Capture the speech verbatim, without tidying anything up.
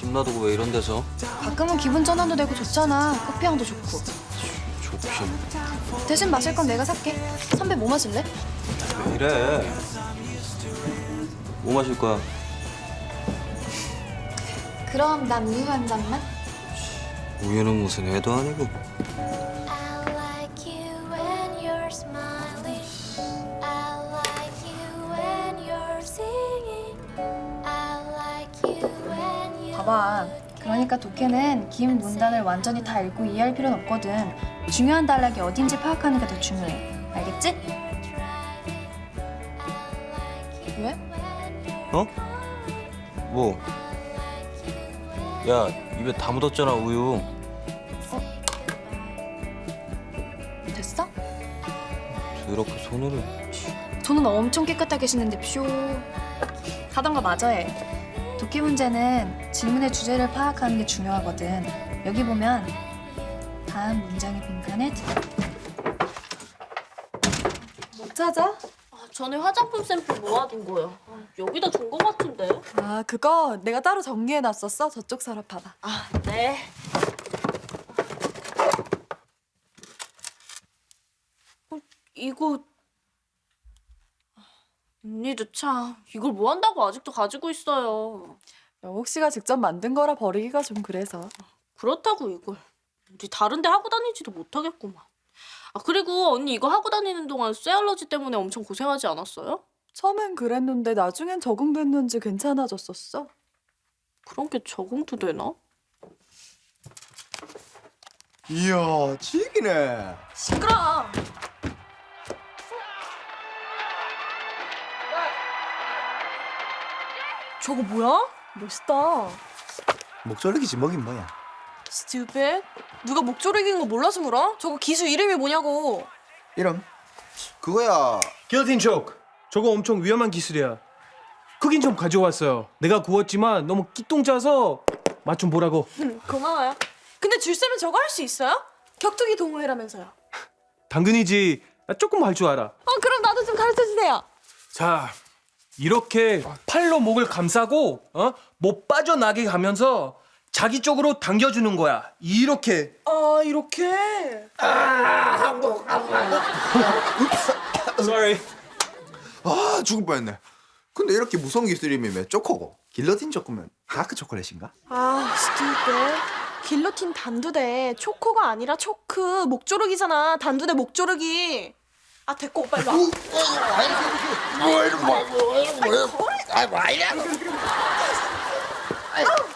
돈 놔두고 왜 이런 데서? 가끔은 기분 전환도 되고 좋잖아. 커피향도 좋고. 좋긴. 대신 마실 건 내가 살게. 선배 뭐 마실래? 왜 이래? 뭐 마실 거야? 그럼 난 우유 한 잔만. 우유는 무슨 애도 아니고. I like you when you're smiling. I like you when you're singing. I like you when you. 봐봐. 그러니까 독해는 긴 문단을 완전히 다 읽고 이해할 필요는 없거든. 중요한 단락이 어딘지 파악하는 게 더 중요해. 알겠지? 왜? 어? 뭐? 야, 입에 다 묻었잖아, 우유. 됐어? 이렇게 손으로. 돈은 엄청 깨끗하게 씻는데 표. 하던 거 마저 해. 독해 문제는 질문의 주제를 파악하는 게 중요하거든. 여기 보면 다음 문장의 빈칸에 뭐 찾아? 아, 전에 화장품 샘플 모아둔 거요. 아, 여기다 둔 거 같은데. 아, 그거 내가 따로 정리해놨었어. 저쪽 서랍 봐봐. 아, 네. 어, 이거 언니도 참 이걸 뭐 한다고 아직도 가지고 있어요. 영옥 씨가 직접 만든 거라 버리기가 좀 그래서. 그렇다고 이걸 우리 다른 데 하고 다니지도 못하겠구만. 아, 그리고 언니 이거 하고 다니는 동안 쇠 알러지 때문에 엄청 고생하지 않았어요? 처음엔 그랬는데 나중엔 적응됐는지 괜찮아졌었어. 그런 게 적응도 되나? 이야, 지기네. 시끄러. 저거 뭐야? 멋있다. 목조르기지 뭐긴 뭐야. 스튜핏? 누가 목조르기인 거 몰라서 물어? 저거 기술 이름이 뭐냐고. 이름? 그거야. 길로틴 초크. 저거 엄청 위험한 기술이야. 크긴 좀 가져왔어요. 내가 구웠지만 너무 끼똥 짜서 맛 좀 보라고. 고마워요. 근데 줄쌤은 저거 할 수 있어요? 격투기 동호회라면서요. 당근이지. 나 조금 할 줄 알아. 어, 그럼 나도 좀 가르쳐주세요. 자, 이렇게 팔로 목을 감싸고 어? 못 빠져나게 가면서 자기 쪽으로 당겨주는 거야. 이렇게. 아, 이렇게? Sorry. 아, 죽을 뻔했네. 근데 이렇게 무서운 기술이면 왜 초코고? 길러틴 초코면 다크 초콜릿인가? 아, 스튜핏. 길로틴 단두대. 초코가 아니라 초크. 목조르기잖아. 단두대 목조르기. 아, 됐고, 오빠 일로 와. 뭐 이런 뭐, 뭐, 뭐, 뭐, 아, 뭐 이래?